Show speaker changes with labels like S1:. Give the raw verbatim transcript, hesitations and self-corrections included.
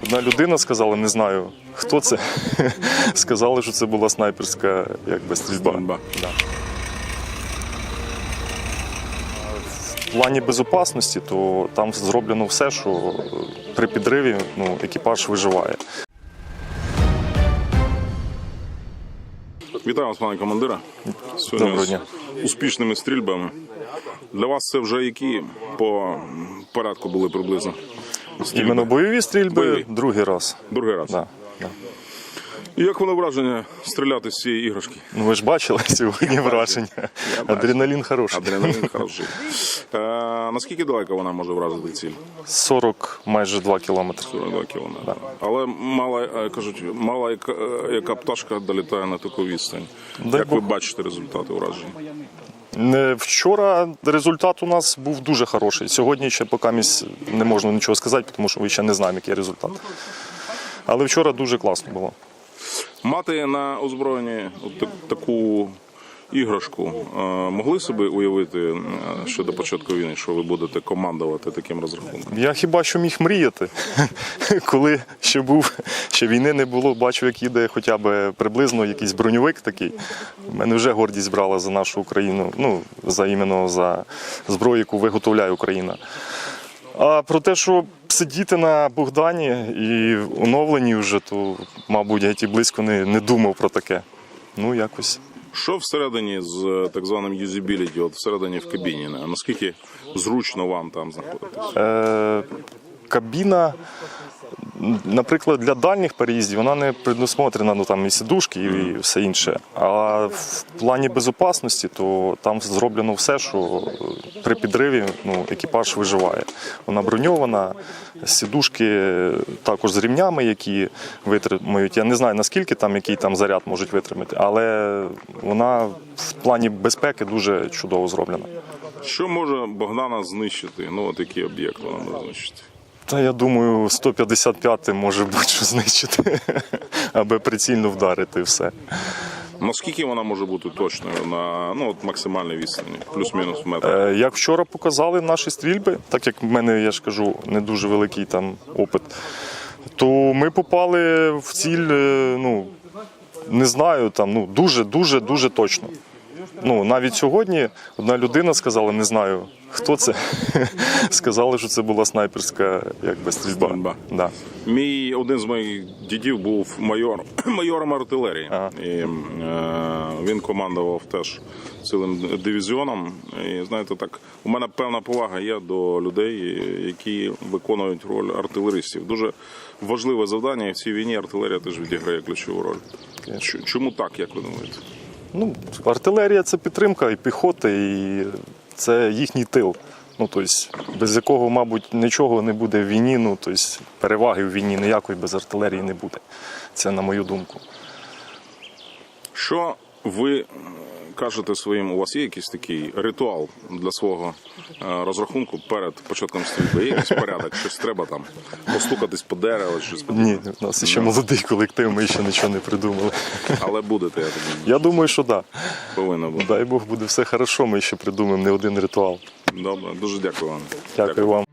S1: одна людина сказала, не знаю, хто це, сказали, що це була снайперська якби, стрільба.
S2: Стрільба.
S1: Да. В плані безпечності, то там зроблено все, що при підриві ну, екіпаж виживає.
S2: Вітаю вас, пане командира. Сьогодні
S1: Доброго дня.
S2: з успішними стрільбами. Для вас це вже які по порядку були приблизно? Стрільби?
S1: Іменно бойові стрільби
S2: Бойові.
S1: другий раз.
S2: Другий раз.
S1: Да, да.
S2: І як воно враження стріляти з цієї іграшки?
S1: Ну, ви ж бачили сьогодні враження. Адреналін хороший.
S2: Адреналін хороший. Е, наскільки далеко вона може вразити ціль?
S1: сорок майже два кілометри.
S2: сорок два кілометри. Але мала, е, кажуть, мала яка, е, яка пташка долітає на таку відстань.
S1: Дай
S2: Як ви
S1: Бог.
S2: бачите результати враження?
S1: Не, Вчора результат у нас був дуже хороший. Сьогодні ще поки місць не можна нічого сказати, тому що ми ще не знаємо, який результат. Але вчора дуже класно було.
S2: Мати на озброєнні от так- таку іграшку е, могли собі уявити е, ще до початку війни, що ви будете командувати таким розрахунком?
S1: Я хіба що міг мріяти, коли ще був, ще війни не було, бачив, як їде хоча б приблизно якийсь броньовик такий. У мене вже гордість брала за нашу Україну, ну, за іменно за зброю, яку виготовляє Україна. А про те, що сидіти на Богдані і оновлені вже, то, мабуть, я ті близько не, не думав про таке. Ну, якось.
S2: Що всередині з так званим юзабіліті, от всередині в кабіні, а наскільки зручно вам там знаходитись?
S1: Е, кабіна, наприклад, для дальніх переїздів вона не предусмотрена, ну там і сідушки, і все інше. А в плані безпечності, то там зроблено все, що при підриві ну, екіпаж виживає. Вона броньована, сідушки також з рівнями, які витримують. Я не знаю, наскільки там, який там заряд можуть витримати, але вона в плані безпеки дуже чудово зроблена.
S2: Що може Богдана знищити? Ну, от який об'єкт вона може знищити?
S1: Та я думаю, сто п'ятдесят п'ятий може будь-що знищити, аби прицільно вдарити і все.
S2: Наскільки вона може бути точною на ну, от максимальній відстані? Плюс-мінус в метр?
S1: Е, Як вчора показали наші стрільби, так як в мене, я ж кажу, не дуже великий там опит, то ми попали в ціль, е, ну, не знаю, там, ну, дуже-дуже-дуже точно. Ну, навіть сьогодні одна людина сказала, не знаю, хто це, сказали, що це була снайперська якби, стрільба.
S2: Стрільба.
S1: Да.
S2: Мій один з моїх дідів був майор, майором артилерії.
S1: Ага.
S2: І, е, він командував теж цілим дивізіоном. І знаєте, так, у мене певна повага є до людей, які виконують роль артилеристів. Дуже важливе завдання, і в цій війні артилерія теж відіграє ключову роль. Ч- Чому так, як ви думаєте?
S1: Ну, артилерія – це підтримка і піхоти, і це їхній тил. Ну, тобто, без якого, мабуть, нічого не буде в війні, ну, тобто, переваги в війні ніякої без артилерії не буде. Це на мою думку.
S2: Що ви кажете своїм, у вас є якийсь такий ритуал для свого е, розрахунку перед початком стрільби? Є якийсь порядок, щось треба там, постукатись по дереву, щось подібне?
S1: Ні, у нас ще молодий колектив, ми ще нічого не придумали.
S2: Але будете, я так думаю.
S1: Я думаю, що так.
S2: Повинно бути.
S1: Дай Бог, буде все хорошо, ми ще придумаємо не один ритуал.
S2: Добре, дуже дякую вам.
S1: Дякую вам.